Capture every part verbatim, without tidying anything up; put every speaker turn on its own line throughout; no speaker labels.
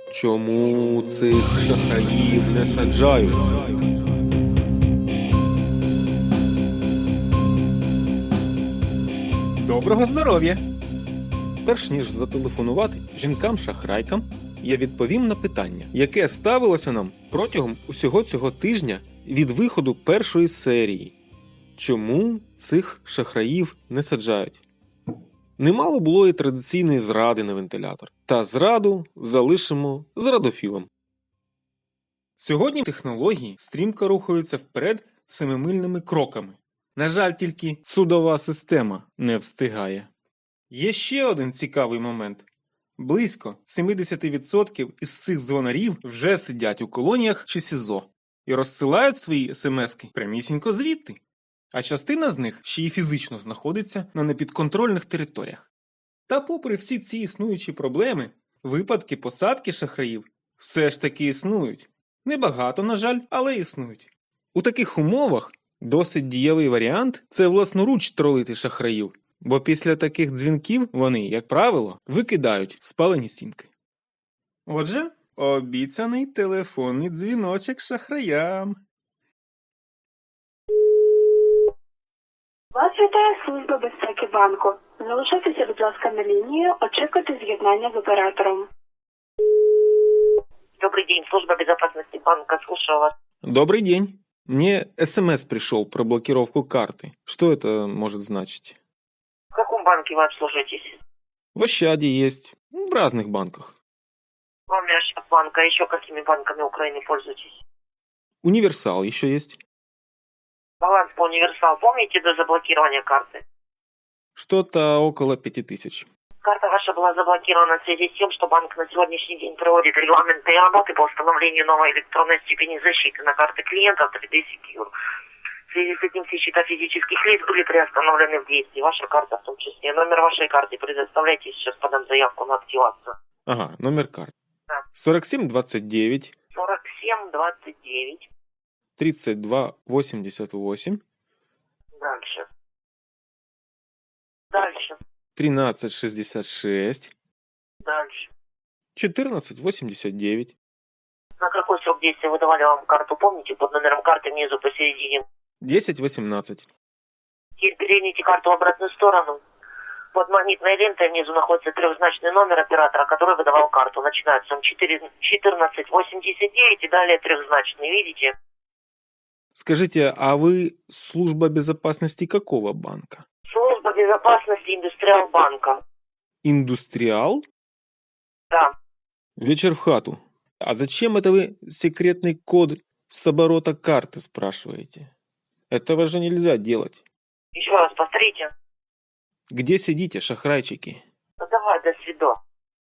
Чому цих шахраїв не саджають?
Доброго здоров'я!
Перш ніж зателефонувати жінкам-шахрайкам, я відповім на питання, яке ставилося нам протягом усього цього тижня від виходу першої серії. Чому цих шахраїв не саджають? Немало було і традиційної зради на вентилятор. Та зраду залишимо зрадофілам.
Сьогодні технології стрімко рухаються вперед семимильними кроками. На жаль, тільки судова система не встигає. Є ще один цікавий момент. Близько сімдесят відсотків із цих дзвонарів вже сидять у колоніях чи СІЗО і розсилають свої смски прямісінько звідти. А частина з них ще й фізично знаходиться на непідконтрольних територіях. Та попри всі ці існуючі проблеми, випадки посадки шахраїв все ж таки існують. Небагато, на жаль, але існують. У таких умовах досить дієвий варіант – це власноруч тролити шахраїв, бо після таких дзвінків вони, як правило, викидають спалені сімки. Отже, обіцяний телефонний дзвіночок шахраям.
Вас вітає служба безпеки банку. Залишайтеся, будь ласка, на лінії, очікуйте з'єднання з оператором.
Добрый день, служба безопасности банка, слушаю вас.
Добрый день. Мне СМС пришел про блокировку карты. Что это может значить?
В каком банке вы обслуживаетесь?
В Ощаде есть. В разных банках.
Кроме банка, еще какими банками Украины пользуетесь?
Универсал еще есть.
Баланс по универсал помните до заблокирования карты?
Что-то около пяти тысяч.
Карта ваша была заблокирована в связи с тем, что банк на сегодняшний день проводит регламентные работы по установлению новой электронной степени защиты на карты клиентов три дэ Secure. В связи с этим все счета физических лиц были приостановлены в действии. Ваша карта в том числе. Номер вашей карты предоставляйте, сейчас подам заявку на активацию.
Ага, номер карты.
Да.
сорок семь двадцать девять
сорок семь двадцать девять.
тридцать два восемьдесят восемь
Дальше. Дальше.
тринадцать шестьдесят шесть
Дальше.
четырнадцать восемьдесят девять.
На какой срок действия выдавали вам карту, помните? Под номером карты внизу посередине.
десять восемнадцать.
Теперь переверните карту в обратную сторону. Под магнитной лентой внизу находится трехзначный номер оператора, который выдавал карту. Начинается он четырнадцать восемьдесят девять и далее трехзначный. Видите?
Скажите, а вы служба безопасности какого банка?
Служба безопасности Индустриал банка.
Индустриал?
Да.
Вечер в хату. А зачем это вы секретный код с оборота карты спрашиваете? Этого же нельзя делать.
Еще раз повторите.
Где сидите, шахрайчики?
Ну давай, до свидос.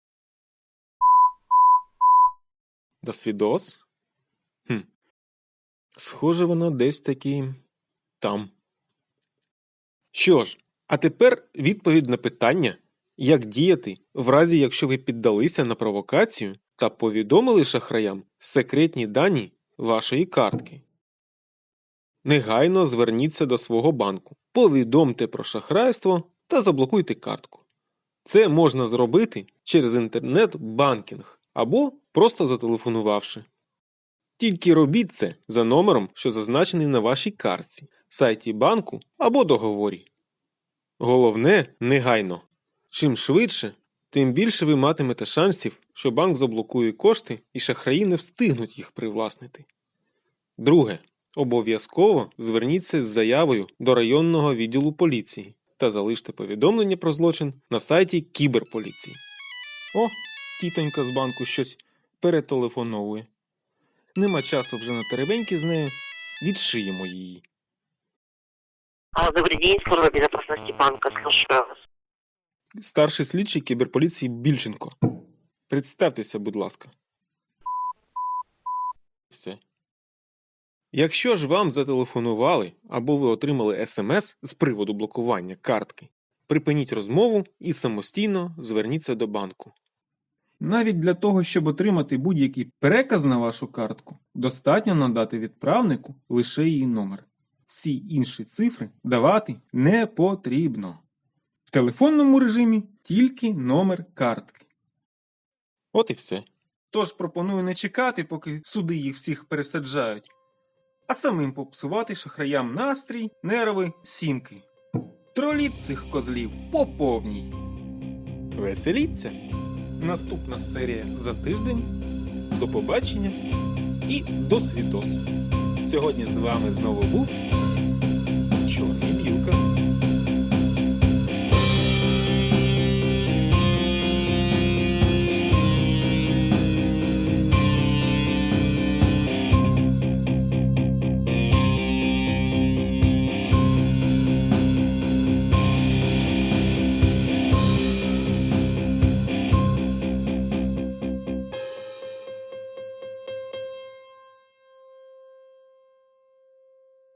До свідос? Хм. Схоже, воно десь таки там. Що ж, а тепер відповідь на питання, як діяти в разі, якщо ви піддалися на провокацію та повідомили шахраям секретні дані вашої картки. Негайно зверніться до свого банку, повідомте про шахрайство та заблокуйте картку. Це можна зробити через інтернет-банкінг або просто зателефонувавши. Тільки робіть це за номером, що зазначений на вашій картці, сайті банку або договорі. Головне – негайно. Чим швидше, тим більше ви матимете шансів, що банк заблокує кошти і шахраї не встигнуть їх привласнити. Друге. Обов'язково зверніться з заявою до районного відділу поліції та залиште повідомлення про злочин на сайті кіберполіції. О, тітонька з банку щось перетелефоновує. Нема часу вже на теревеньки з нею, відшиємо її.
А, добрый день, служба безопасности банка, слушаю вас.
Старший слідчий кіберполіції Більченко. Представтеся, будь ласка. Все. Якщо ж вам зателефонували або ви отримали смс з приводу блокування картки, припиніть розмову і самостійно зверніться до банку.
Навіть для того, щоб отримати будь-який переказ на вашу картку, достатньо надати відправнику лише її номер. Всі інші цифри давати не потрібно. В телефонному режимі тільки номер картки.
От і все.
Тож пропоную не чекати, поки суди їх всіх пересаджають, а самим попсувати шахраям настрій, нерви, сімки. Троліть цих козлів по повній.
Веселіться.
Наступна серія за тиждень.
До побачення і до свідос. Сьогодні з вами знову був